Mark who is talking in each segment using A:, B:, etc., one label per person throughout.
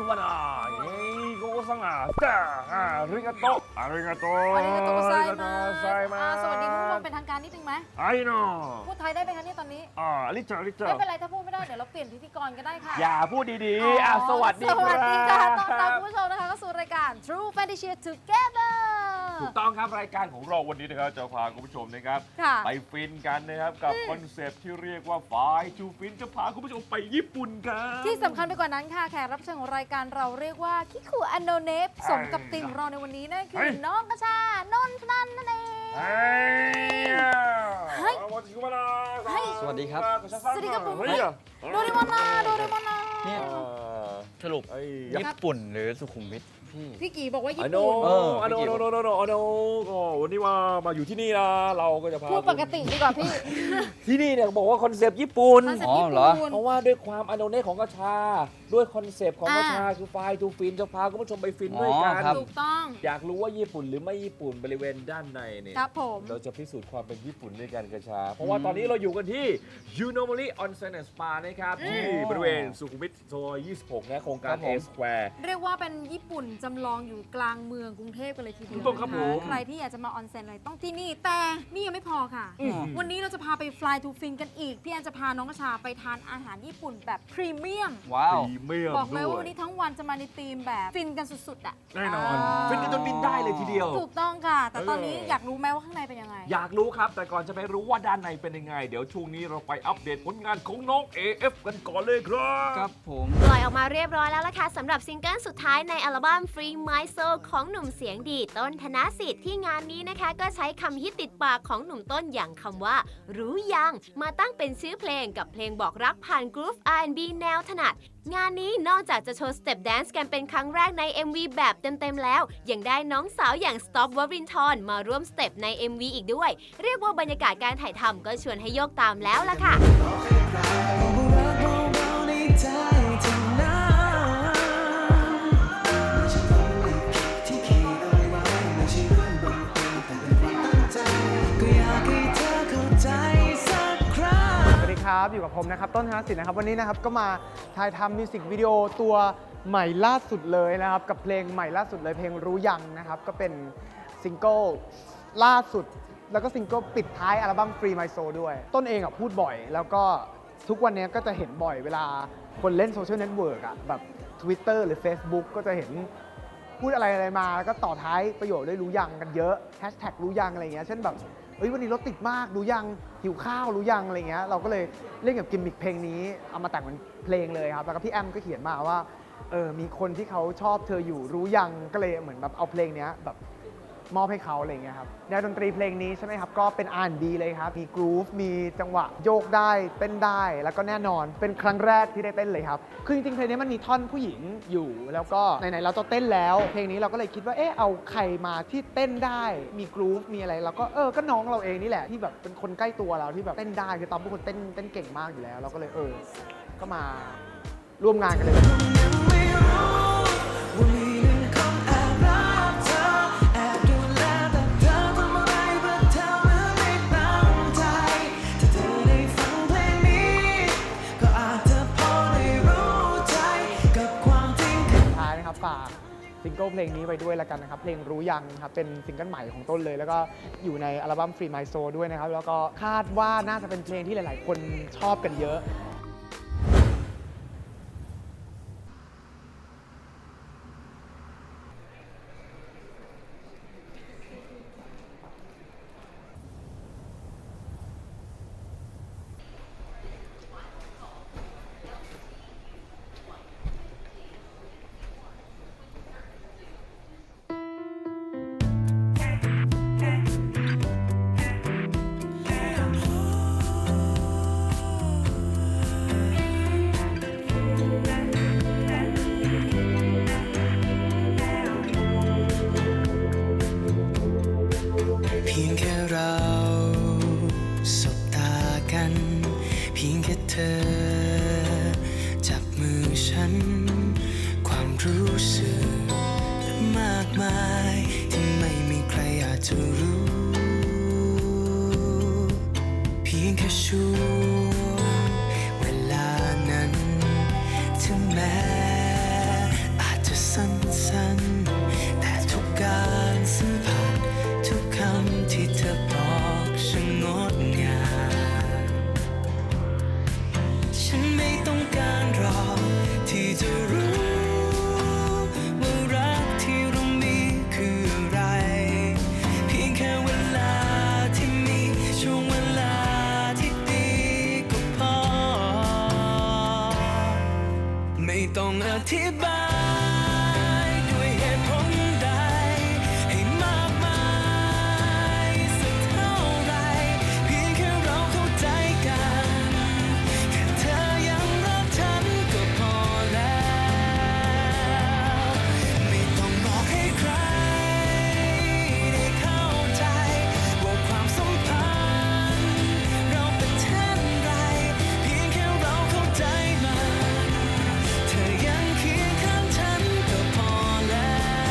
A: วานาเฮ้ยโกซังอ่ะจ้าอาริกาโตอาริกาโต
B: อาริกาโตไซมา
A: ไซมา
B: สวัสดีคุณผู้ชมเป็นทางการนิดนึงไหม
A: ไอ้น้อ
B: พูดไทยได้ไหมคะเนี่ยตอนนี้
A: ลิจ่าลิจ่า
B: ไม่เป็นไรถ้าพูดไม่ได้เดี๋ยวเราเปลี่ยนพิธีกรก็ได้ค่ะ
A: อย่าพูดดีๆสวัสดี
B: สวัสดีค่ะ ต้อน
A: ค
B: รั
A: รั
B: บบ คุณผู้ชมนะคะเข้าสู่รายการ True Fantasy Together
A: ถูกต้องครับรายการของเราวันนี้นะครับจะพาคุณผู้ชมนะครับ
B: ค่ะ
A: ไปฟินกันนะครับกับคอนเซปต์ที่เรียกว่าฝ่ายทูฟินจะพาคุณผู้ชมไปญี่ปุ่นครับ
B: ที่สำคัญไปกว่านั้นค่ะแขกรับเชิญของรายการเราเรียกว่าคิคุอันโนเนฟสมกับธีมของเราในวันนี้นั่นคือน้องกระชานนท์นันนั่นเอง
A: เฮ้ย
C: สวัสดีครับ
B: สวัสดีครับผม
A: เฮ้ย
B: โดเรมอนนาโดเรมอนนา
C: เนี่ยสรุป
A: ไอ้
C: ญี่ปุ่นหรือสุขุมวิทพี่
B: พี่กี่บอกว่าญี่
A: อโน
B: ปุ่น
A: อโนโนโนโนโนโนก็วันนี้มาอยู่ที่นี่นะเราก็จะพา
B: พูดปกติดีกว่าพี่
A: ที่นี่เนี่ยบอกว่าคอนเซปต์ญี่ปุ่น
B: คอนเซ็ป
C: อ๋
B: ต์
C: อ
B: ญี่
C: เหรอ
B: ปุ่น
A: เพราะว่าด้วยความอโนเนของกระชา ด้วยคอนเซปต์ของกระชาคือไฟทูฟินจะพาคุณผู้ชมไปฟินด้วยกัน
C: อ๋อครับ
B: ถูกต้อง
A: อยากรู้ว่าญี่ปุ่นหรือไม่ญี่ปุ่นบริเวณด้านในเนี่ย
B: ครับผม
A: เราจะพิสูจน์ความเป็นญี่ปุ่นด้วยกันกระชา เพราะว่าตอนนี้เราอยู่กันที่ Unomori Onsen and Spa นะครับที่บริเวณสุขุมวิทซอย26นะโครงการ
C: ครับผม
A: A Square
B: เรียกว่าเป็นญี่ปุ่นจำลองอยู่กลางเมืองกรุงเทพกันเลยทีเดียว
A: ถูกต้องครับ
B: นะ
A: ผ
B: คะ
A: ม
B: ใครที่อยากจะมาออนเซ็นอะไรต้องที่นี่แต่นี่ยังไม่พอค่ะ วันนี้เราจะพาไป Fly to Fin กันอีก พี่แอนจะพาน้องกระชาไปทานอาหารญี่ปุ่นแบบพรีเมียม
C: ว้าว
A: พรีเมียม
B: บอกเลย
A: ด้
B: ว่าวันนี้ทั้งวันจะมาในธีมแบบฟินกันสุดๆอ่ะ
A: แน่นอนฟินกันจนบินได้เลยทีเดียว
B: ถูกต้องค่ะ แต่ตอนนี้
A: เออ
B: อ
A: อ
B: ยากรู้ไหมว่าข้างในเป็นยังไง
A: อยากรู้ครับ แต่ก่อนจะไปรู้ว่าด้านในเป็นยังไง เดี๋ยวช่วงนี้เราไปอัปเดตผลงานของน้อง AF กันก่อนเลยครับ
C: ครับผม
D: ปล่อยออกมาเรียบร้อยแล้วล่ะค่ะสำหรับซิงเกิลสุดท้ายในอัลบั้ม Free My Soul ของหนุ่มเสียงดีต้นธนสิทธิ์ที่งานนี้นะคะ ก็ใช้คำฮิตติดปากของหนุ่มต้นอย่างคำว่า รู้ยังมาตั้งเป็นชื่อเพลงกับเพลงบอกรักผ่านกรุ๊ป R&B แนวถนัด งานนี้นอกจากจะโชว์สเต็ปแดนซ์กันเป็นครั้งแรกใน MV แบบเต็มๆแล้ว ยังได้น้องสาวอย่าง Stop วรินทร์มาร่วมสเต็ปใน MV อีกด้วย เรียกว่าบรรยากาศการถ่ายทำก็ชวนให้โยกตามแล้วล่ะค่ะ
E: สวัสดีครับ อยู่กับผมนะครับต้นธนสิทธิ์นะครับวันนี้นะครับก็มาถ่ายทำมิวสิกวิดีโอตัวใหม่ล่าสุดเลยนะครับกับเพลงใหม่ล่าสุดเลยเพลงรู้ยังนะครับก็เป็นซิงเกิลล่าสุดแล้วก็ซิงเกิลปิดท้ายอัลบั้ม Free My Soul ด้วยต้นเองพูดบ่อย แล้วก็ทุกวันนี้ก็จะเห็นบ่อยเวลาคนเล่นโซเชียลเน็ตเวิร์กแบบ Twitter หรือ Facebook ก็จะเห็นพูดอะไรมาแล้วก็ต่อท้ายประโยชน์ด้วยรู้ยังกันเยอะแฮชแท็กรู้ยังอะไรเงี้ยเช่นแบบวันนี้รถติดมากรู้ยังหิวข้าวรู้ยังอะไรเงี้ยเราก็เลยเล่นกับกิมมิคเพลงนี้เอามาแต่งเป็นเพลงเลยครับแล้วก็พี่แอมก็เขียนมาว่ามีคนที่เขาชอบเธออยู่รู้ยังก็เลยเหมือนแบบเอาเพลงนี้แบบมอบให้เขาอะไรเงี้ยครับแนวดนตรีเพลงนี้ใช่ไหมครับก็เป็น R&B เลยครับมีกรูฟมีจังหวะโยกได้เต้นได้แล้วก็แน่นอนเป็นครั้งแรกที่ได้เต้นเลยครับคือจริงๆเพลงนี้มันมีท่อนผู้หญิงอยู่แล้วก็ไหนๆเราจะเต้นแล้วเพลงนี้เราก็เลยคิดว่าเอาใครมาที่เต้นได้มีกรูฟมีอะไรเราก็ก็น้องเราเองนี่แหละที่แบบเป็นคนใกล้ตัวเราที่แบบเต้นได้คือตอนเป็นคนเต้นเก่งมากอยู่แล้วเราก็เลยก็มาร่วมงานกันเลย ท้ายนะครับฝากซิงเกิลเพลงนี้ไว้ด้วยแล้วกันนะครับเพลงรู้ยังครับเป็นซิงเกิลใหม่ของต้นเลย แล้วก็อยู่ในอัลบั้ม Free My Soul ด้วยนะครับแล้วก็คาดว่าน่าจะเป็นเพลงที่หลายๆ คนชอบกันเยอะ
F: สั้นๆแต่ทุกการสัมผัสทุกคำที่เธอบอกช่างงดงามฉันไม่ต้องการรอที่จะรู้ว่ารักที่เรามีคืออะไรเพียงแค่เวลาที่มีช่วงเวลาที่ดีก็พอไม่ต้องอธิบายด้วยเหตุผลใดให้มากมายสักเท่าไรเพียงแค่เราเข้าใจกันแค่เธอยังรักฉันก็พอแล้วไม่ต้องบอกให้ใครได้เข้าใจว่าความสัมพันธ์เราเป็นเช่นไรเพียงแค่เราเข้าใจมันเธอยังเคียงข้างฉันก็พอแล้ว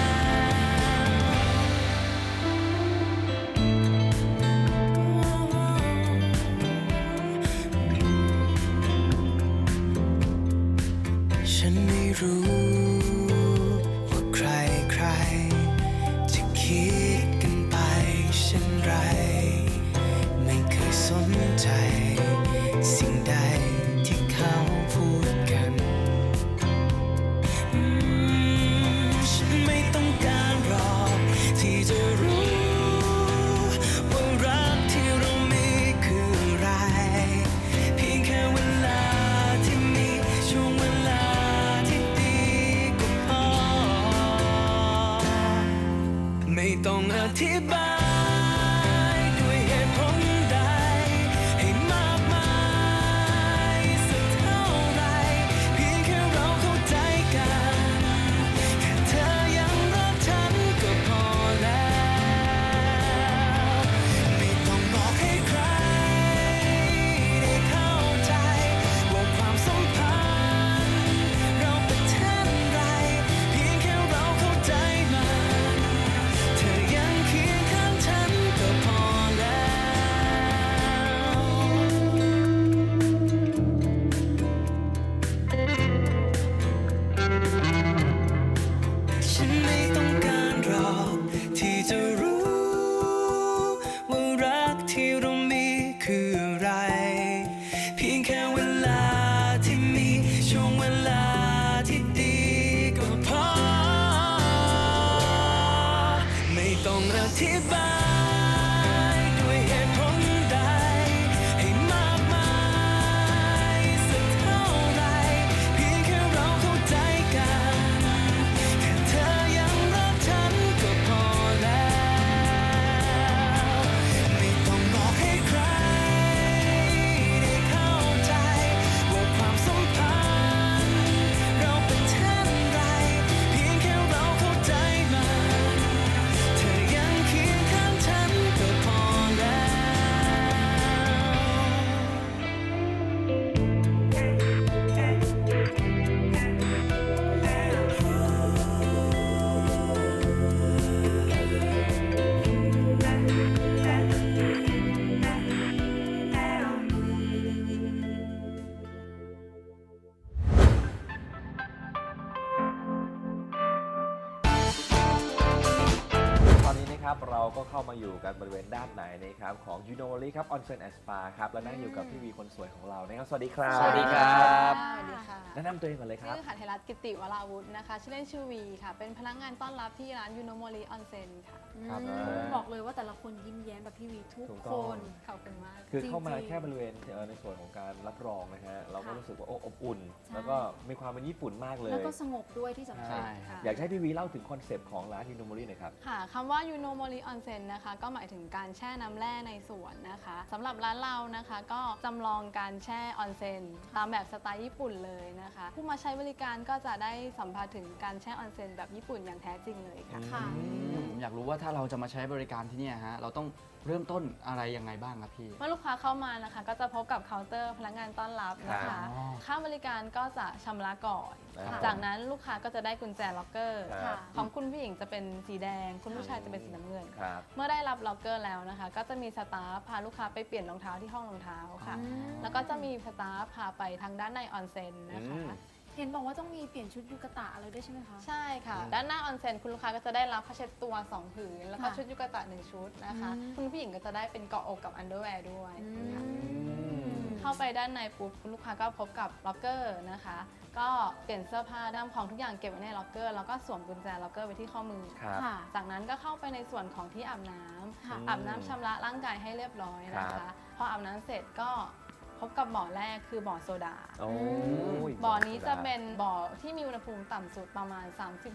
F: ฉันไม่รู้ว่าใครจะคิดกันไปเช่นไรไม่เคยสนใจสิ่งใดที่เขาพูดกันฉันไม่ต้องการหรอกที่จะรู้ว่ารักที่เรามีคืออะไรเพียงแค่เวลาที่มีช่วงเวลาที่ดีก็พอไม่ต้องอธิบายด้วยเหตุผลใดให้มากมายสักเท่าไรเพียงแค่เราเข้าใจกันแค่เธอยังรักฉันก็พอแล้วไม่ต้องบอกให้ใครได้เข้าใจว่าความสัมพันธ์เราเป็นเช่นไรเพียงแค่เราเข้าใจมันเธอยังเคียงข้างฉันก็พอแล้วฉันไม่ต้องการหรอกที่จะรู้ว่ารักที่เรามีคืออะไรเพียงแค่เวลาที่มีช่วงเวลาที่ดีก็พอไม่ต้องอธิบายด้วยเหตุผลใดให้มากมายสักเท่าไรเพียงแค่เราเข้าใจกันแค่เธอยังรักฉันก็พอแล้วไม่ต้องบอกให้ใครได้เข้าใจว่าความสัมพันธ์เราเป็นเช่นไรเพียงแค่เราเข้าใจมันเธอยังเคียงข้างฉันก็พอแล้ว
A: ตอนนี้นะครับเราก็เข้ามาอยู่กันบริเวณด้านไหนนะครับของ Unovali ครับ Onsen and Spa ครับและนั่งอยู่กับพี่วีคนสวยของเรานะครับสวัสดีครับ
C: สวัสดีครับ
G: สวัสดีค่ะ
A: แนะนำตัวเองก่อนเลยครับ
G: ชื่อหัตถรัตน์กิติวราวุธนะคะ ชื่อเล่นชื่อวีค่ะ เป็นพนักงานต้อนรับที่ร้านยูโนโมริออนเซ็นค่ะ
A: ครับ
B: บอกเลยว่าแต่ละคนยิ้มแย้มแบบพี่วีทุก
A: ถูก
B: ค
A: ต้อง
B: น
G: ขอบคุณมาก
A: คือเข้ามา
B: จริงๆ
A: แค่บริเวณในส่วนของการรับรองนะฮะเราก็
B: ค่ะ
A: รู้สึกว่าอบอุ่น
B: ใช่
A: แล้วก็มีความเป็นญี่ปุ่นมากเลย
B: แล้วก็สงบด้วยที่สำคัญ
C: ใช่
G: ค่ะ
A: อยากให้พี่วีเล่าถึงคอนเซปต์ของร้าน Unovali หน่อยครับ
G: ค่ะคำว่ายูโนโมริออนเซ็นนะคะ ก็หมายถึงการแช่น้ำแร่ในสวนนะคะสำหรับร้านเรานะคะ ก็จำลองการแช่ออนเซ็นตามแบบสไตล์ญี่ปุ่นเลยนะคะ ผู้มาใช้บริการก็จะได้สัมผัสถึงการแช่ออนเซ็นแบบญี่ปุ่นอย่างแท้จริงเลยค่ะ
B: ค่ะ
C: ผมอยากรู้ว่าถ้าเราจะมาใช้บริการที่เนี่ยฮะเราต้องเริ่มต้นอะไรยังไงบ้างครับพี่
G: เมื่อลูกค้าเข้ามานะคะ ก็จะพบกับเคาน์เตอร์พนักงานต้อนรับนะ
A: ครั
G: คะ
A: บ
G: ค่าบริการก็จะชำระก่อน
A: ครับ
G: จากนั้นลูกค้าก็จะได้กุญแจล็อกเกอร์
A: ครับ
G: ของคุณผู้หญิงจะเป็นสีแดง คุณผู้ชายจะเป็นสีน้ำเงิน
A: ครับ
G: เมื่อได้รับล็อกเกอร์แล้วนะคะ ก็จะมีสตาฟพาลูกค้าไปเปลี่ยนรองเท้าที่ห้องรองเท้าค่ะ
B: อืม
G: แล้วก็จะมีสตาฟพาไปทางด้านในออนเซ็นนะคะ
A: อืม
B: เห็นบอกว่าต้องมีเปลี่ยนชุดยูกะตะอะไรด้วยใช่ไหมคะ
G: ใช่ค่ะ ด้านหน้าออนเซ็นคุณลูกค้าก็จะได้รับผ้าเช็ดตัว 2 ผืน แล้วก็
B: ค่ะ
G: ชุดยูกะตะ 1 ชุดนะคะ
B: อืม
G: คุณผู้หญิงก็จะได้เป็นเกาะอกกับอันเดอร์แวร์ด้วย
B: อื
G: ค่ะ
B: ม
G: เข้าไปด้านในปุ๊บคุณลูกค้าก็พบกับล็อกเกอร์นะคะ ก็เปลี่ยนเสื้อผ้าด้ามของทุกอย่างเก็บไว้ในล็อกเกอร์แล้วก็สวมกุญแจล็อกเกอร์ไว้ที่ข้อมือ
A: ครับ
B: ค่ะ
G: จากนั้นก็เข้าไปในส่วนของที่อาบน้ำ
B: ค่ะ
G: อาบน้ำชำระร่างกายให้เรียบร้อยนะ
A: ครั
G: คะ
A: บ
G: พออาบน้ำเสร็จก็พบกับบ่อแรกคือบ่อโซดา
A: โอ้ย
G: บ่อนี้จะเป็นบ่อที่มีอุณหภูมิต่ำสุดประมาณ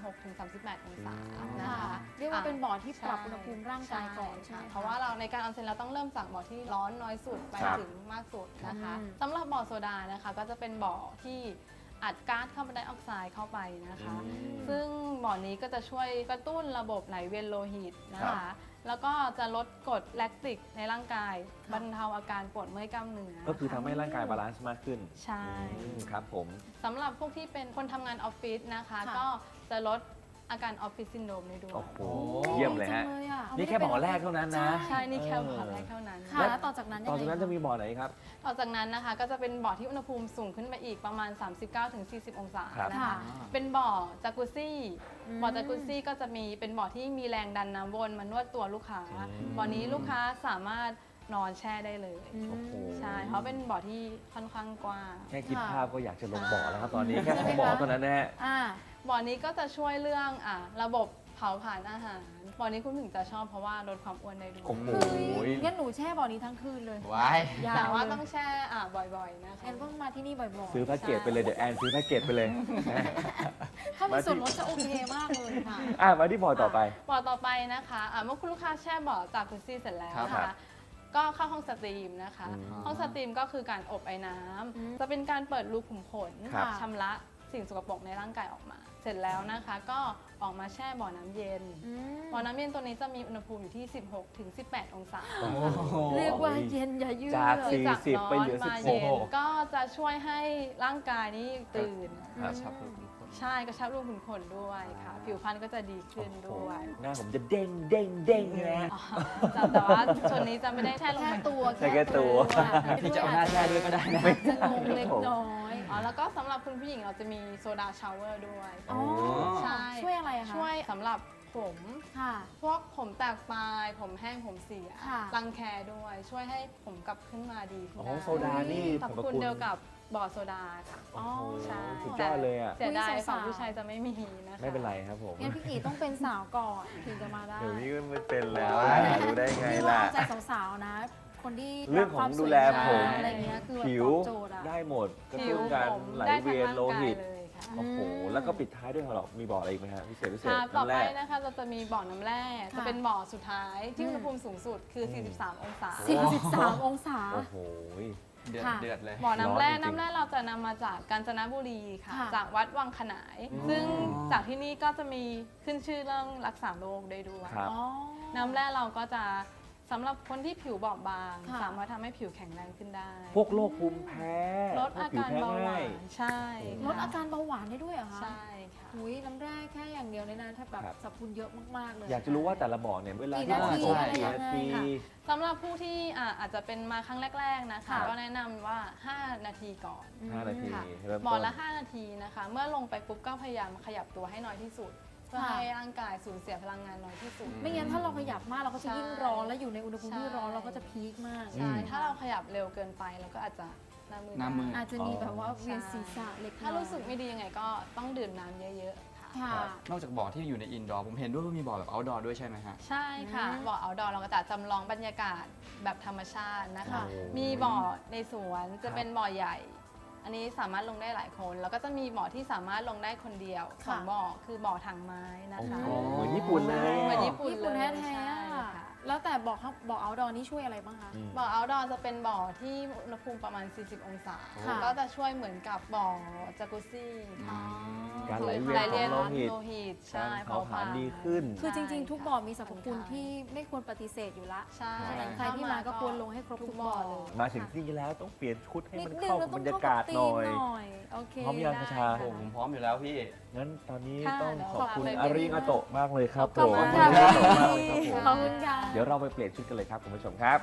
G: 36-38 องศานะ
B: ค่ะ
G: คะ
B: เรียกว่าเป็นบ่อที่ปรับ
G: ใช่
B: อุณหภูมิร่างกายก่อนใช่
G: ค่ะ
B: ไหม
G: เพราะว่าเราในการออนเซ็นเราต้องเริ่มจากบ่อที่ร้อนน้อยสุดไป
A: ครับ
G: ถึงมากสุดนะคะ
B: อืม
G: สำหรับบ่อโซดานะคะก็จะเป็นบ่อที่อัดก๊าซคาร์บอนไดออกไซด์เข้าไปนะคะ ซึ่งบ่อนี้ก็จะช่วยกระตุ้นระบบไหลเวียนโลหิตนะ
A: ครั
G: คะ
A: บ
G: แล้วก็จะลดกรดแลคติกในร่างกาย บรรเทาอาการปวดเมื่อยกล้ามเนื้อ
A: ก็คือทำให้ร่างกายบาลานซ์มากขึ้น
G: ใช่
A: ครับผม
G: สำหรับพวกที่เป็นคนทำงานออฟฟิศนะคะ
B: ค่ะ
G: ก็จะลดอาการออฟฟิศซินโดรมได้ด้วย
A: โอ้โห เยี่ยมเลยฮะ
B: ดีจังเลยอะ
A: นี่แค่บ่อแรกเท่านั้นนะ
G: ใช่ นี่แค่บ่อแรกเท่านั้น
B: ค่ะแล้วต่อจากนั้นยัง
A: ต่อ
B: ไง
A: จากนั้นจะมีบ่อไหนครับ
G: ต่อจากนั้นนะคะก็จะเป็นบ่อที่อุณหภูมิสูงขึ้นไปอีกประมาณ 39-40 องศา
A: ครับ
G: นะ
B: ค่ะ
G: คะ เป็นบ่อจากุซซี่
B: อืม
G: บ่อจากุซซี่ก็จะมีเป็นบ่อที่มีแรงดันน้ำวนมานวดตัวลูกค้า บ่อนี้ลูกค้าสามารถนอนแช่ได้เลย
A: โอ้โห
G: ใช่ เพราะเป็นบ่อที่ค่อนข้างกว้าง
A: แค่คิด
B: ค่ะ
A: ภาพก็อยากจะลงบ่อแล้วครับตอนนี้ แค่ของบ่อเท่านั้นนะฮะ
B: อ่า
G: บ่อนี้ก็จะช่วยเรื่องระบบเผาผลาญอาหาร บ่อนี้คุณถึงจะชอบเพราะว่าลดความอ้วนได้ด้วย
A: โอ้โห
B: งั้นหนูแช่บ่อนี้ทั้งคืนเลย
C: ว้าย
B: ยาว
G: แต่ว่า
B: เลย
G: ต้องแช่บ่อยๆนะคะ
B: แอนต้องมาที่นี่บ่อย
A: ซื้อแพ็กเกจไปเลยเดี๋ยวแอนซื้อแพ็กเกจไปเลย
B: ๆ ถ้ามีส่วนลดจะโอเคมากเลยค่ะ
A: มาที่บ่อต่อไป
G: บ่อต่อไปนะคะเมื่อคุณลูกค้าแช่บ่อจากกุซี่เสร็จแล้วนะ
A: ครั
G: คะ
A: บ
G: ก็เข้าห้องสตรีมนะคะ
A: อืม
G: ห้องสตรีมก็คือการอบไอ้น้ำ
B: อืม
G: จะเป็นการเปิดรูขุมขน
A: ครับ
G: ชำระสิ่งสกปรกในร่างกายออกมา เสร็จแล้วนะคะ ก็ออกมาแช่บ่อน้ำเย็น
B: อืม
G: บ่อน้ำเย็นตัวนี้จะมีอุณหภูมิอยู่ที่ 16-18 องศา
A: โอ้โห
B: เรียกว่าเย็นอย่ายืด
A: จาก
B: เลย
A: 40ไปเหลือ
G: มา
A: 16
G: เย็นก็จะช่วยให้ร่างกายนี่ตื่น
C: กระชับรูขุมขน
G: ใช่กระชับรูขุมขนด้วยค่ะ ผิวพรรณก็จะดีขึ้นด้วย
A: หน้าผมจะเด้งเด้งเด้งเลยนะ
G: อ๋อแต่ว่าส่วนนี้จะไม่ได้แช่ลง
B: แค่
G: ไป
B: ตัว
A: ใช่แค่ตัว
C: พี่จะเอาหน้าแช่ด้วยก็ได้นะ
B: จะงงเล็กน้อย
G: อ๋อแล้วก็สำหรับคุณผู้หญิงเราจะมีโซดาชาวเวอร์ด้วย
B: อ๋อ
G: ใช่
B: ช่วยอะไรอะคะ
G: ช่วยสำหรับผม
B: ค่ะ
G: พวกผมแตกปลาย ผมแห้งผมเสีย
B: ค่ะ
G: รังแคด้วย ช่วยให้ผมกลับขึ้นมาดีขึ้น
A: อ๋อ
G: ได้
A: โซดานี่
G: สรรพคุณเดียวกับบ่อโซดาค่ะ
B: อ๋อ
G: ใช่
A: สุดยอดเลยอ่ะ
G: เสียดาย
B: อุ๊ยสาวๆ
G: ฝั่งผู้ชายจะไม่มีนะคะ
A: ไม่เป็นไรครับผม
B: งั้นพี่กีต้องเป็นสาวก่อนถึงจะมาได้
A: เดี๋ยวนี้ก็ไม่เป็นแล้วรู้ได้ไง
B: นี่ว่า
A: ล่ะ
B: เอาใจสาวๆนะ คนที่
A: เรื่องของดูแลผม
B: อะไรเงี้ยคือแบบ
A: ผิว
B: ตอบโจทย์อะ
A: ได้หมดกระ
G: ผิ
A: ตุ้
G: วน
A: การ
G: ผม
A: ไหล
G: ได้ทั้ง
A: เวียน
G: ร่าง
A: โล
G: กาย
A: หิต
G: เลยค่ะ
A: โอ้โห แล้วก็ปิดท้ายด้วยเหรอมีบ่ออะไรอีกไหมฮะพิเศษ
G: ค่ะต่อ
A: น้ำ
G: ไป
A: แร่
G: นะคะเราจะมีบ่อน้ำแร่
B: ค่ะ
G: จะเป็นบ่อสุดท้ายที่
B: อืม
G: อุณหภูมิสูงสุดคือ 43 องศา
B: 43 องศา
A: โอ้โห
C: เดือด
B: ค่ะ
C: เดือดเลย
G: บ่อน้ำแร่
A: ร้อนจริงๆ
G: น้ำแร่เราจะนำมาจากกาญจนบุรีค่ะ
B: ค่ะ
G: จากวัดวังขนาย
A: อืม
G: ซึ่งจากที่นี่ก็จะมีขึ้นชื่อเรื่องรักษาโรคได้ด้วย
A: ครับ
B: อ๋อ
G: น้ำแร่เราก็จะสำหรับคนที่ผิวบอบบาง
B: ค่ะ
G: สามารถทำให้ผิวแข็งแรงขึ้นได้
A: พวกโรคภูมิแพ้
G: ลดอาการเบาหวานใช่
B: ลดอาการเบาหวานได้ด้วยเหรอคะ
G: ใช่ค่ะ
B: หุยน้ำแร่แค่อย่างเดียวเลยนะถ้าแบบ
A: ครับ
B: สรรพคุณเยอะมากๆเลย
A: อยากจะรู้ว่าแต่ละบ่อเนี่ยเวลา
B: กี่
A: ที่
B: นาที
A: ใช่
B: อะไร
A: กี่
B: ยัง
A: นา
B: ไง
A: ที
B: ค่ะ
G: สำหรับผู้ที่อาจจะเป็นมาครั้งแรก ๆนะคะ
B: ค่ะ
G: ก็แนะนำว่า 5 นาทีก่อน
A: 5 นาที
G: ค่ะ
A: เริ่ม
G: บ่อ
A: ต้น
G: ละ 5 นาทีนะคะ เมื่อลงไปปุ๊บก็พยายามขยับตัวให้น้อยที่สุด เพื่อ
B: ค่ะ
G: ให้ร่างกายสูญเสียพลังงานน้อยที่สุด
B: ไม่งั้นถ้าเราขยับมากเราก็จะ
G: ใช่
B: ยิ่งร้อนแล้วอยู่ในอุณหภูมิที่ร้อน
G: ใช่
B: เราก็จะพีคมาก
G: ใช่ ถ้าเราขยับเร็วเกินไปเราก็อาจจะหน้ามือ
C: หน้ามือ
B: อาจจะมีแบบว่าเวียนศีรษะเล็กน้อย
G: ถ้ารู้สึกไม่ดียังไงก็ต้องดื่มน้ำเยอะๆค่ะ
B: ค่ะ
C: นอกจากบ่อที่อยู่ในอินดอร์ผมเห็นด้วยว่ามีบ่อแบบเอาท์ดอร์ด้วยใช่ไหมฮะ
G: ใช่ค่ะ
B: อืม
G: บ่อเอาดอเราก็จะจำลองบรรยากาศแบบธรรมชาตินะคะ
B: ค่ะ
G: มีบ่อในสวนจะเป็นบ่อใหญ่ อันนี้สามารถลงได้หลายคน แล้วก็จะมีบ่อที่สามารถลงได้คนเดียวสองบ่อคือบ่อถังไม้นะ
A: โอ้
G: คะ
A: โหเหมือนญี่ปุ่นเลย
G: เหมือน
A: อะ
G: ญี่ปุ่น
B: ญี่ปุ่น
G: เลย
B: แท้
G: ใช่
B: ๆอะ
G: ค่ะ
B: แล้วแต่บอกเอาดอนี่ช่วยอะไรบ้างคะ
A: อืม
G: บ่อเอาดอจะเป็นบ่อที่อุณหภูมิประมาณ 40 องศา
B: ค่ะ
G: ก็จะช่วยเหมือนกับบ่อจากุซี่
B: อ๋อ
A: การไหลเวียนของโลหิต
G: ใช่
A: การเผาผลาญดีขึ้น
B: คือจริง ๆ ทุกบ่อมีสรรพคุณ
G: ใช่
B: ที่ไม่ควรปฏิเสธอยู่ละ
G: ใช่
B: ฉะนั้นใครที่มาก็ควรลงให้ครบทุกบ่อเลย
A: มาถึงที่นี่แล้วต้องเปลี่ยนชุดให้
B: นิด
A: มัน
B: นึง
A: เข้า
B: เรา
A: กับ
B: ต้อบ ง
A: รรยา
B: เข้าก
A: า
B: กั
A: ศ
B: บธี
A: หน่
B: ม
A: อย
B: หน่อยโอเค
A: พร้อมยัง
B: ได้
A: คชา
C: โอ้ผมพร้อมอยู่แล้วพี่
A: งั้นตอนนี้
G: ค่ะ
A: ต้อง
G: เดี๋ยว
A: ขอบคุณ
G: ฝากเลย
A: อาริงาโตะมากเลยครับ
B: ขอบ
A: ผม
B: คุณ
A: ข
B: ค่ะ
A: อบคุณมากเลยครับผม
B: ขอบคุณค่ะ
A: เดี๋ยวเราไปเปลี่ยนชุดกันเลยครับคุณผู้ชมครับ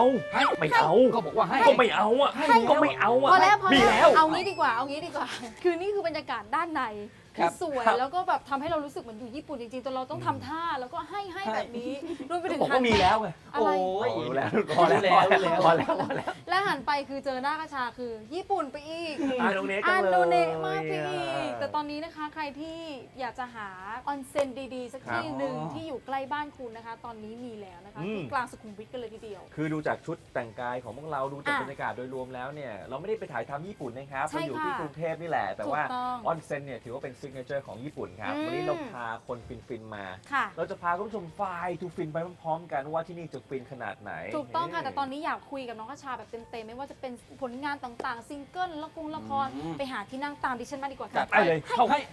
A: เอาไม่เอา
C: ก็บอกว่าให้
A: ก็ไม่เอาอ่ะก็ไม่เอาอ่ะ
B: พอแล้วพอ
A: มี
B: แล้
A: แล้ว ว
B: เอางี้ดีกว่าเอางี้ดีกว่า คือนี่คือบรรยากาศด้านใน
C: ครั
B: คือบ สวย
A: ครับ
B: แล้วก็แบบทำให้เรารู้สึกเหมือนอยู่ญี่ปุ่นจริงๆแต่เราต้องทำท่าแล้วก็ให้แบบนี้รวมไปถึง
A: บอก
B: หั
A: ว่ามีแล้วไง
B: อะไร
C: โอ้ย
A: รู้แล้วพอแล้วพอแล้ว
B: และหันไปคือเจอหน้ากระชาคือญี่ปุ่นไปอีก
A: อาโนเนะจั
B: อาง
A: เลย
B: โนเนะมากไปอีกแต่ตอนนี้นะคะใครที่อยากจะหาออนเซ็นดีๆ สักที่หนึ่งที่อยู่ใกล้บ้านคุณนะคะ ตอนนี้มีแล้วนะคะที่กลางสุขุมวิทกันเลยทีเดียว
A: คือดูจากชุดแต่งกายของพวกเราดูจาก
B: อ่ะ
A: บรรยากาศโดยรวมแล้วเนี่ยเราไม่ได้ไปถ่ายทำญี่ปุ่นนะครับ
B: ใช่
A: เราอยู่ที่
B: ค่ะ
A: กรุงเทพนี่แหละ แต่ว่า
B: ถูกต้อง
A: ออนเซ็นเนี่ยถือว่าเป็นซิกเนเจอร์ของญี่ปุ่นครับ วันนี้เราพาคนฟินๆมา
B: ค่ะ
A: เราจะพาคุณผู้ชมไฟทูฟินไปพร้อมๆกันว่าที่นี่จะฟินขนาดไหน
B: ถูกต้องค่ะ แต่ตอนนี้อยากคุยกับน้องกระชาแบบเต็มๆ ไม่ว่าจะเป็นผลงานต่างๆ ซิงเกิลละคร ไปหาที่นั่งตามดิฉันมาดีกว่า
A: จั
B: ค่ะ
A: ดไปเลยเข้าให้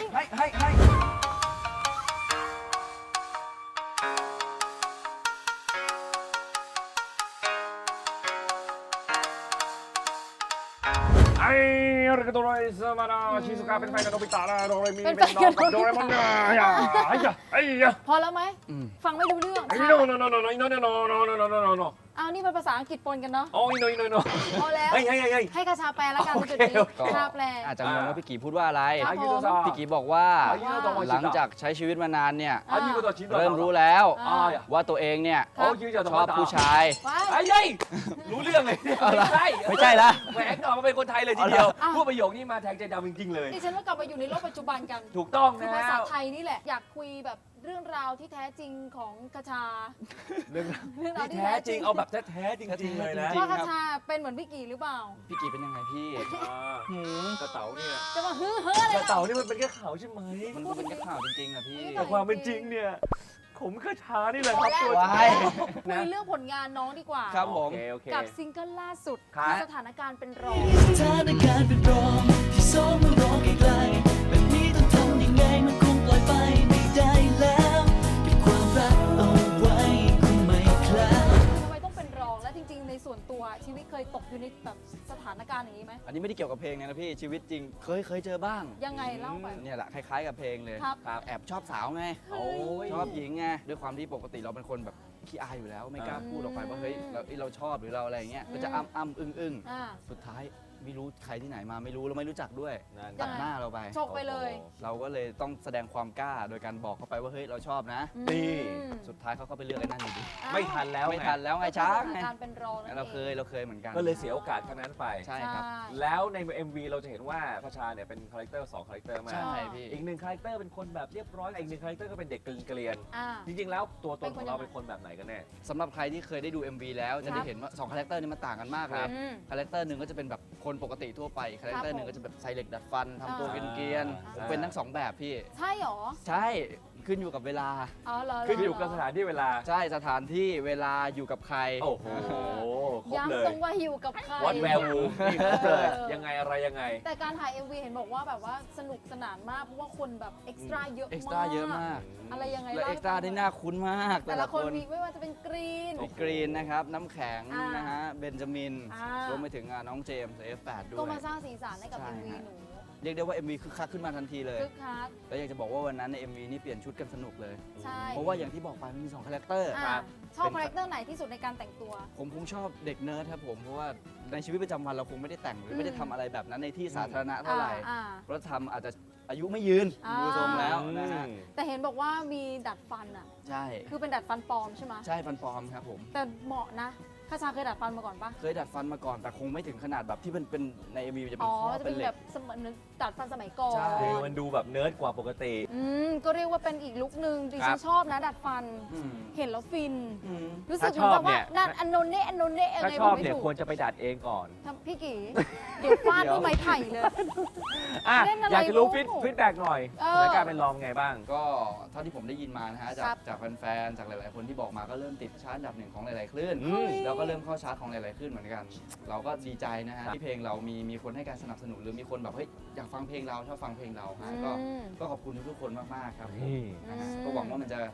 A: ไอ้เรื่องตัวไรสมานาชิซุกะเป็นแฟนกับโนบิตะนะโดเรมี
B: เป็
A: เป็น น
B: แฟ
A: น้
B: น
A: อง
B: กับ
A: กับโดเรมอนนะไอ้ยะ
B: พอแล้วไหม ฟังไม่รู้เรื่อง
A: ไอ้
B: ค่ะ
A: โนโนโนโนโนโนโนโนโนโนโน
B: เอานี่เป็นภาษาอังกฤษปนกันเนาะ
A: โอ้ยโนโนโน
B: พอแล้ว
A: เฮ้ย
B: ให้กระชาแปลแล้วกัน
A: โอ
B: จุ
A: เค
B: ดนี้
A: โอเค
B: ชาแปล
C: อาจจะงงว่าพี่กีพูดว่าอะไร
B: ครับผม
C: พี่กีบอกว่า
B: ว่า
C: หลังจากใช้ชีวิตมานานเนี่ย
A: あ、いうことは
C: เริ่มรู้แล้ว
B: อ่า
C: ว่าตัวเองเนี่ย
A: โอ้ยจะ
C: ชอบผู้ชาย
B: ว้าย
A: ไอ้ยัยรู้เรื่องเลยไม่ใช่
C: ไม่ใช่ละ
A: แหวกออกมาเป็นคนไทยเลยทีเดียว
B: อ้าว
A: พูดประโยคนี้มาแทงใจดำจริงๆเลย
B: ดิฉันว่ากลับมาอยู่ในโลกปัจจุบันกัน
A: ถูกต้อง
B: คือ
A: นะ
B: ภาษาไทยนี่แหละ อยากคุยแบบเรื่องราวที่แท้จริงของกระชา
A: เรื่อง
B: เรื่องราว
A: ที่
B: ที่
A: แท้
B: แท้
A: จ
B: จ
A: ริ
B: ริ
A: ง
B: ง
A: เอาแบบแท้ๆจริงๆเลยนะ
C: จริง
B: ว่ากระชาเป็นเหมือนพี่กีหรือเปล่า
C: พี่กีเป็นยังไงพี่
A: กระเต๋าเนี่ย
B: จะมาฮือเฮ้ออะไร
A: กระ
B: ล่ะ
A: เต๋านี่มันเป็นแค่ข่าวใช่ไหม
C: มันก็เป็นแค่ข่าวจริงๆอะพี่
A: แต่ความเป็นจริงเนี่ยผมกระชานี่แหละครับตัวจริง
C: ว้าย
B: คุยเรื่องผลงานน้องดีกว่า
C: ครับผม
A: โอเค
B: กับซิงเกิลล่าสุด
A: ครับ
B: สถานการณ์เป็นรอง
F: สถานการณ์เป็นรองที่สองมันร้องไกลๆแบบนี้ต้องทำยังไงมันคงปล่อยไปไม่ได้แล้วเก็บความรักเอาไว้คงไม่คลาย
B: ทำไมต้องเป็นรองและจริงๆ ในส่วนตัวชีวิตเคยตกอยู่ในแบบสถานการณ์อย่างนี้ไหม
C: อันนี้ไม่ได้เกี่ยวกับเพลงนะพี่ชีวิตจริงเคยเจอบ้าง
B: ยังไงเล่าไป
C: เนี่ยแหละคล้ายๆกับเพลงเลย
B: ครับ
C: แอบชอบสาวไง
A: โอ้ย
C: ชอบหญิงไงด้วยความที่ปกติเราเป็นคนแบบขี้อายอยู่แล้ว ไม่กล้าพูดออกไปว่าเฮ้ยเราชอบหรือเราอะไรอย่างเงี้ยก็จะอ้ำอึ้ง
B: อ่า
C: สุดท้ายไม่รู้ใครที่ไหนมาไม่รู้เราไม่รู้จักด้วย
A: นั่น
B: ยั
C: ตั
B: ง
C: ด
B: ไง
C: หน้าเราไป
B: ชกไปเลย
C: เราก็เลยต้องแสดงความกล้าโดยการบอกเขาไปว่าเฮ้ยเราชอบนะ
A: นี่
C: สุดท้ายเขาก็ไปเลือกไอ้นั่นอยู่ดี
A: ไม่ทันแล้ว
C: ไม่ทันแล้วไงช้าง
B: ส
C: ไง
B: ถานการณ์เป็นรองนั่น
C: เรา
B: เอง
C: เคยเหมือนกัน
A: ก็เลยเสียโอกาสครั้งนั้นไป
C: ใช่ครับ
A: แล้วใน MV เราจะเห็นว่าพระชาเนี่ยเป็นคาแรคเตอร์2คาแรคเตอร์มา
C: ใช่พี่
A: อีกหนึ่งคาแรคเตอร์เป็นคนแบบเรียบร้อยอีกหนึ่งคาแรคเตอร์ก็เป็นเด็กเกลียน
B: อ่า
A: ๆจริงๆแล้วตัวตนของเรา
B: เป็
A: เป็น น
B: ค
A: คน นแบบไหนกันแน่
C: สำหรับใครที่เคยได้ดู MV แล้วจะได้เห็นว่า2คาแรคเตอร์นี้มันต่างกันมากเลย
B: อืม
C: คาแรคเตอร์หนึ่งก็จะเป็นแบบคนปกติทั่วไปคาแรคเตอร์หนึ่งก็จะแบบใส่เหล็กดัดฟันทำตัวเกรียนๆผมเป็นทั้งสองแบบพี่
B: ใช่หรอ
C: ใช่ขึ้นอยู่กับเวลา
B: อ๋อเหรอ
A: ขึ้นอยู่กับสถานที่เวลา
C: ใช่สถานที่เวลาอยู่กับใคร
A: โอ้โหครบเลย
B: ย้ำตรงว่าอยู่กับใคร
A: วัดแวร์วูนี่ครบเลย
B: เออ
A: ยังไงอะไรยังไง
B: แต่การถ่าย MV เห็นบอกว่าแบบว่าสนุกสนานมาก เพราะว่าคนแบบเอ็กซ์ตร้าเยอะมาก
C: เอ็กซ์ตร้าเยอะมาก
B: อะไรยังไง
C: และ
B: ล่
C: เอ็กซ์ตร้าได้น่าคุ้นมาก
B: แต่ละคนมีไม่ว่าจะเป็นกรีน
C: มีกรีนนะครับ น้ำแข็ง
B: อ่าน
C: นะฮะเบนจามิน
B: อ่าร
C: วมไปถึงน้องเจมส์ F8 ด้ว
B: ก็
C: ย
B: มาสร้างสีสันให้กับ
C: ใช่
B: MV
C: ฮะ
B: หนู
C: เรียกได้ว่า MV คึกคักขึ้นมาทันทีเลย
B: คึกคัก
C: แล้วอยากจะบอกว่าวันนั้นใน MV นี่เปลี่ยนชุดกันสนุกเลย
B: ใช่
C: เพราะว่าอย่างที่บอกไปมันมี2คาแรคเตอร์
B: อ่าชอบคาแรคเตอร์ไหนที่สุดในการแต่งตัว
C: ผมคงชอบเด็กเนิร์ดครับผม เพราะว่าในชีวิตประจำวันเราคงไม่ได้แต่งหรือ
B: ม
C: ไม่ได้ทำอะไรแบบนั้นในที่สาธารณะเท่าไหร่
B: อ่า
C: เพราะทำอาจจะอายุไม่ยืน
B: อ่า
C: ดูทรงแล้วนะฮะ
B: แต่เห็นบอกว่ามีดัดฟันอ่ะ
C: ใช่
B: คือเป็นดัดฟันปลอมใช่ไหม
C: ใช่ฟันปลอมครับผม
B: แต่เหมาะนะข้าชาเคยดัดฟันมาก่อนปะ
C: เคยดัดฟันมาก่อนแต่คงไม่ถึงขนาดแบบที่เป็นใน MV จะเป็
B: อ๋
C: น
B: อ
C: ข้อ
B: จะ
C: เป็
B: เป็น น
C: เหล็
B: แบ
C: ก
B: บสมัยดัดฟันสมัยก่อน
C: ใช่
A: คือมันดูแบบเนิร์ดกว่าปกติ
B: ก็เรียกว่าเป็นอีกลุคนึงดิ
A: ครั
B: ฉั
A: บ
B: นชอบนะดัดฟัน
C: อืม
B: เห็นแล้วฟิน
C: อืม
B: รู้สึกเห
A: ถ้า
B: มือนแบบ
A: ชอบเนี่
B: ว่าย นั่นอันโนนเน่อันโนนเน่ยัง
A: ถ้า
B: ไง
A: ช
B: บ
A: อ
B: อบ กไม่
A: เนี่ย
B: ถูก
A: ควรจะไปดัดเองก่อน
B: ทำพี่กี่ เดี๋ยวฟาดด้วยไม้ไผ่เลย
A: อ่ะ
B: เล่นอะไร
A: อยากจะรู้
B: ลูก
A: ฟีดแบ็กหน่อย
B: เอ
A: ส
B: อ
A: ถานการณ์เป็นรองไงบ้าง
C: ก็เท่าที่ผมได้ยินมานะฮะจา
B: ครั
C: ก
B: บ
C: จากแฟนๆจากหลายๆคนที่บอกมาก็เริ่มติดชาร์ตอันดับหนึ่งของหลายๆคลื่น
A: อืม
C: แล้วก็เริ่มเข้าชาร์ตของหลายๆคลื่นเหมือนกัน เราก็ดีใจนะฮะ
A: ครับ
C: ที่เพลงเรามีคนให้การสนับสนุนหรือมีคนแบบเฮ้ยอยากฟังเพลงเราชอบฟังเพลงเราฮะ
B: อืม
C: ก็ขอบคุณทุกๆคนมากๆครับผม
A: นี่
C: นะฮะ
B: อืม
C: ก็หวังว่ามันจะ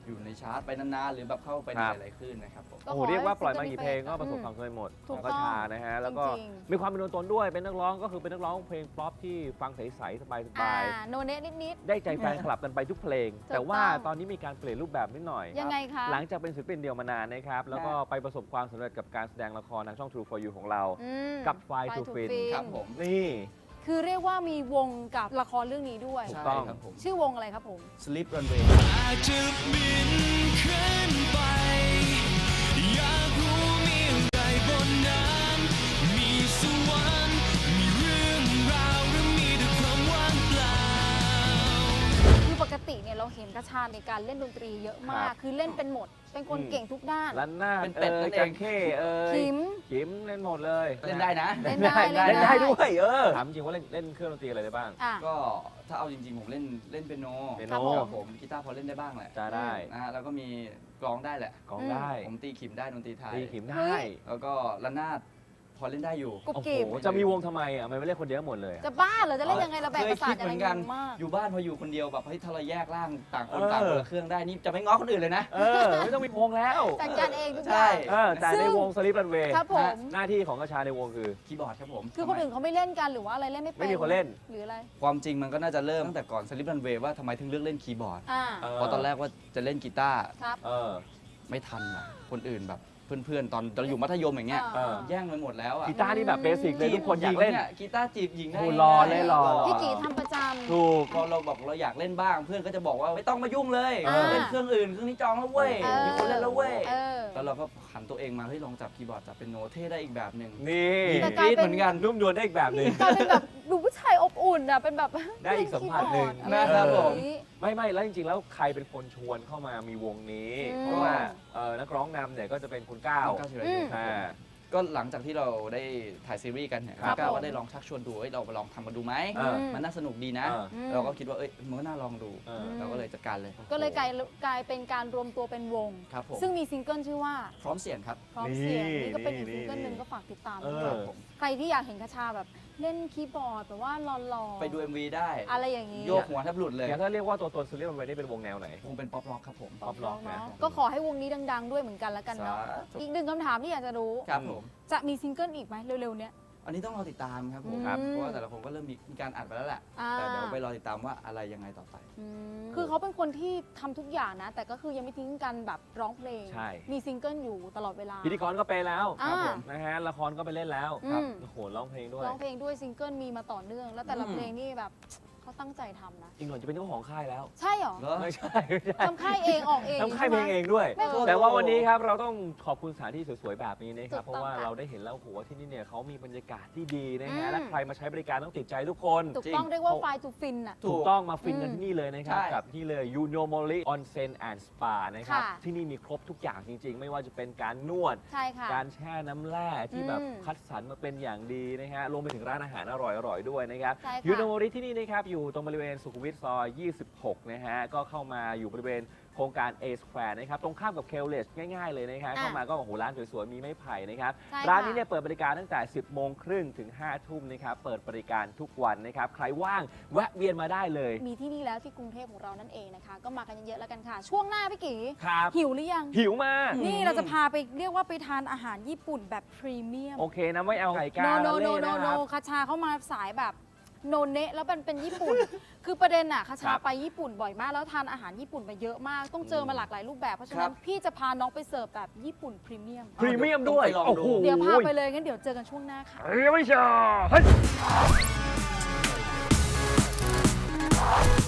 C: อยู่ในชาร์ตไปนานๆหรือแบบเข้าไปใน
A: ครับ
C: หลายๆคลื่นนะครับผม
B: ก็
A: โอ้โห
B: ขอให้
A: เรียกว่าปล่อยมา
B: ซิ
A: กี่
B: ง
A: เพ
B: เกิ
A: ล
B: ล
A: ง
B: นี้
A: ก็ประสบ
B: อืม
A: ความสำเร็จหมด
B: ถู
A: ข
B: ก
A: องกระชานะฮะแล้วก็
B: จริงๆ
A: มีความเป็นตัวตนด้วยเป็นนักร้องก็คือเป็นนักร้องเพลงป๊อปที่ฟังใสๆสบาย
B: โนเนตนิด
A: ๆได้ใจแฟนคลับกันไปทุกเพลง
B: ถูก
A: แต่ว่า
B: ต้อง
A: ตอนนี้มีการเปลี่ยนรูปแบบนิดหน่อย
B: ๆ ยังไงคะ
A: หลังจากเป็นศิลปินเดี่ยวมานานนะครับแล้วก็ไปประสบความสำเร็จกับการแสดงละครทางช่อง True for You ของเรา
B: อืม
A: กับ Fly
B: Fly
A: to
B: to
A: Fin
B: Fin
C: ครับผม
A: นี่
B: คือเรียกว่ามีวงกับละครเรื่องนี้ด้วย
A: ถูก
C: ใช่
A: ต้อง
C: ครับผม
B: ชื่อวงอะไรครับผม
C: Sleep Runway
F: อาจจะบินขึ้นไป อยากรู้มีอะไรบนนั้นมีสวรรค์มีเรื่องราวหรือมีแต่ความว่างเปล่า
B: คือปกติเนี่ยเราเห็นกระชาในการเล่นดนตรีเยอะมาก คือเล่นเป็นหมด เป็นคนเก่งทุกด้าน
A: ลันหน้า
C: เป็นเป็ดนั่นเอง
A: จังเข้ย
B: ขิม
A: ขิมเล่นหมดเลย
C: เล่นได้นะ
B: เล่นได้
A: เล่นได้ด้วยถามจริงว่าเล่นเครื่องดนตรีอะไรได้บ้าง
B: อ่ะ
C: ก็ถ้าเอาจริงๆผมเล่นเปียโน
A: เปียโน
C: ครับผมกีตาร์พอเล่นได้บ้างแหละ
A: จะได้
C: นะฮะแล้วก็มีกลองได้แหละ
A: กลองได้
C: ผมตีขิมได้ดนตรีไทย
A: ตีขิม
B: เฮ้
A: ได้
B: ย
C: แล้วก็ระนาดพอเล่นได้อยู่
B: กุบ
A: โอ้โห
B: กิบ
A: จะมีวงทำไมอ่ะมันไม่เล่นคนเดียวหมดเลยอะ
B: จะบ้าเหรอ จะเล่นยังไงเราแบ่ง
C: เค
B: ป
C: ย
B: ระสา
C: คิ
B: ท
C: ด
B: อะ
C: เห
B: ไร
C: มือนกัน
B: งงมาก
C: อยู่บ้านพออยู่คนเดียวแบบเฮ้ยถ้าเราแยกร่างต่างคน
A: เออ
C: ต่างคนละเครื่องได้นี่จะไม่ง้อคนอื่นเลยนะ
A: ไม่ต้องมีวงแล้ว
B: จัดการเองทุกอ
C: ใช่
B: ย่าง
A: แต่ในวงสลิปรันเวย์
B: ครับผม
A: หน้าที่ของกระชาในวงคือ
C: คีย์บอร์ดครับผม
B: คือคนอื่นเขาไม่เล่นกันหรือว่าอะไรเล่นไม่เป็น
A: ไม่มีคนเล่น
B: หรืออะไร
C: ความจริงมันก็น่าจะเริ่มตั้งแต่ก่อนสลิปรันเวย์ว่าทำไมถึงเลือกเล่นคีย์บอร์ด
B: อ่า
C: เพราะตอนแรกว่าจะเล่นกีตาร์
B: ครับ
A: เออ
C: ไม่ทันอ่ะคนอื่นแบบเพื่อนๆตอนเราอยู่มัธยมอย่างเงี้ย
A: เออ
C: แย่งไปหมดแล้วอ่ะ
A: กีตาร์นี่แบบเบสิกเลยทุกคนอยากเล่น
C: จีบหญิงกีตาร์จีบหญิงได้
A: โอ้รอเลยรอ
B: พี่กีทำประจ
A: ถูก
C: พอเราบอกเราอยากเล่นบ้าง เพื่อนก็จะบอกว่าไม่ต้องมายุ่งเลย
B: อ่า
C: เล่นเครื่องอื่นเครื่องนี้จองแล้วเว้ย
B: ำ
C: มีคนเล่นแล้วเว้ย
B: เออ
C: แล้วเราก็หันตัวเองมาเฮ้ยลองจับคีย์บอร์ดจับเป็นโน้ตเท่ได้อีกแบบหนึ่ง
A: นี่
B: แต่
C: กรี๊ดเหมือนกัน
A: นุ่มนวลได้อีกแบบหนึ่ง
B: กลายเป็นแบบดูผู้ชายอบอุ่นอ่ะ เป็นแบบ
A: ได้อีกสัมผัสหนึ่ง
B: เล่นคีย์บอร์ด
C: นะครับผม
B: อะไอย่างนี้
A: ไม่แล้วจริงๆแล้วใครเป็นคนชวนเข้ามามีวงนี้
B: อืม
A: เพราะว่านักร้องนำเนี่ยก็จะเป็นคุณก้าว
C: ก้าวธีรยุทธ์
A: อ่า
C: ก็หลังจากที่เราได้ถ่ายซีรีส์กันเนี่ย
A: ครับ
C: ก้าว
B: ผม
C: ก็ได้ลองชักชวนดูเฮ้ยเราไปลองทำกันดูไหม
A: เออ
C: มันน่าสนุกดีนะ
A: เออ
C: เราก็คิดว่าเอ้ยมันก็น่าลองดู
A: เออ
C: เราก็เลยจัดการเลย
B: ก็เลยกลายเป็นการรวมตัวเป็นวง
C: ครับผม
B: ซึ่งมีซิงเกิลชื่อว่า
C: พร้อมเสียงครับ
B: พร้อมเสียง
A: นี่
B: นี่ก็เป็นอีก
A: นี่
B: ซิงเกิลหนึ่ง
A: นี่
B: ก็ฝากติดตาม
A: เอ
B: ด้ว
A: อ
B: ยใครที่อยากเห็นคชาแบบเล่นคีย์บอร์ดแบบว่าหล่อๆ
C: ไปดู MV ได้
B: อะไรอย่างนี้
C: โยกหัวแทบหลุดเลย
A: อย่างถ้าเรียกว่าตัวตนสลิปรันเวย์นี่เป็นวงแนวไหน
C: คงเป็นป๊อปร็อกครับผม
B: ป๊อปร็อก
A: นะ
B: เนาะก็ขอให้วงนี้ดัง ๆ ด้วยเหมือนกันแล้วกันเนาะ
C: สาธุ
B: อีกหนึ่งคำถามที่อยากจะรู้
C: ครับผม
B: จะมีซิงเกิลอีกไหมเร็วๆเนี้ย
C: อันนี้ต้องรอติดตามครับผม
B: ครับ
C: เพราะว่าแต่ละคนก็เริ่มมีการอัดไปแล้วแหละ
B: อ่า
C: แต่เดี๋ยวไปรอติดตามว่าอะไรยังไงต่อไป
B: คือเขาเป็นคนที่ทำทุกอย่างนะ แต่ก็คือยังไม่ทิ้งกันแบบร้องเพลง
A: ใช่
B: มีซิงเกิลอยู่ตลอดเวลา
A: พิธีกรก็ไปแล้ว
B: อ่า
A: ครับผมนะฮะละครก็ไปเล่นแล้ว
B: อืม
A: ครับโอ้โหร้องเพลงด้วย
B: ร้องเพลงด้วยซิงเกิลมีมาต่อเนื่อง แล้วแต่ละ
C: อืม
B: เพลงนี่แบบเขาตั้งใจทำนะ
A: อีกหน่อยจะเป็นเจ้าของค่ายแล้ว
B: ใช่เหรอ
C: เหรอ
A: ไม่ใช่ไม่ใช่
B: ทำค่ายเองออกเอง
A: ทำค่ายเพลงเองด้วย
B: ไม่เคย
A: แต่ว่าวันนี้ครับเราต้องขอบคุณสถานที่สวยๆแบบนี้นะครับ
B: ถูกต้อง
A: เพราะว่า
B: ค่ะ
A: เราได้เห็นแล้วโอ้โหว่าที่นี่เนี่ยเขามีบรรยากาศที่ดีนะ
B: อื
A: ฮะ
B: ม
A: และใครมาใช้บริการต้องติดใจทุกคน
B: ถูก
C: จริง
B: ต้องเรียกว่าไฟทูฟินอ่ะ
C: ถู
A: ถู
C: ก
A: กต้องมาฟินกัน
B: อืม
A: ที่นี่เลยนะครับ
C: ใช่
A: กับที่เลย Unomori Onsen and Spa นะครับ
B: ค่ะ
A: ที่นี่มีครบทุกอย่างจริง ๆ ไม่ว่าจะเป็นการนวด
B: ใช่ค่ะ
A: การแช่น้ำแร่ที่แบบ
B: อืม
A: คัดสรรมาเป็นอย่างดีนะฮะรวมไปถึงร้านอาหารอร่อยๆด้วยนะครับ
B: ใช่ค่ะ
A: ยูโนโมริที่นี่นะครับอยู่ตรงบริเวณสุขุมวิทซอย 26 นะฮะก็เข้ามาอยู่บริเวณโครงการ A Square นะครับตรงข้ามกับเคลเลสง่ายๆเลยนะครับเข้ามาก็โอ้โหร้านสวยๆมีไม้ไผ่นะครับ
B: ใช่ค่ะ
A: ร้านนี้เนี่ยเปิดบริการตั้งแต่ 10 โมงครึ่งถึง 5 ทุ่มนะครับเปิดบริการทุกวันนะครับใครว่างแวะเวียนมาได้เลย
B: มีที่นี่แล้วที่กรุงเทพของเรานั่นเองนะคะ ก็มากันเยอะๆแล้วกันค่ะ ช่วงหน้าพี่กี
A: ครับ
B: หิวหรือยัง
A: หิวมาก
B: นี่เราจะพาไปเรียกว่าไปทานอาหารญี่ปุ่นแบบพรีเมียม
A: โอเคนะไม่เอาไก่กา
B: โน
A: ละ
B: โน
A: เล่
B: โน
A: นะ
B: โน
A: ครับ
B: คาชาเข้ามาสายแบบโนเนะแล้วเป็นญี่ปุ่น คือประเด็นอะคาชา
A: ครับ
B: ไปญี่ปุ่นบ่อยมาก แล้วทานอาหารญี่ปุ่นมาเยอะมาก ต้องเจอมาหลากหลายรูปแบบ เพราะฉะ
C: ครั
B: นั้น
C: บ
B: พี่จะพาน้องไปเสิร์ฟแบบญี่ปุ่นพรีเมียม
A: พรีเมียมด้วย
C: ต้องไปลองดู
A: โอ้โห
B: เดี๋ยวพาไปเลยงั้นเดี๋ยวเจอกันช่วงหน้าค่ะ
A: เฮ้ยไม่ใช่เฮ้ย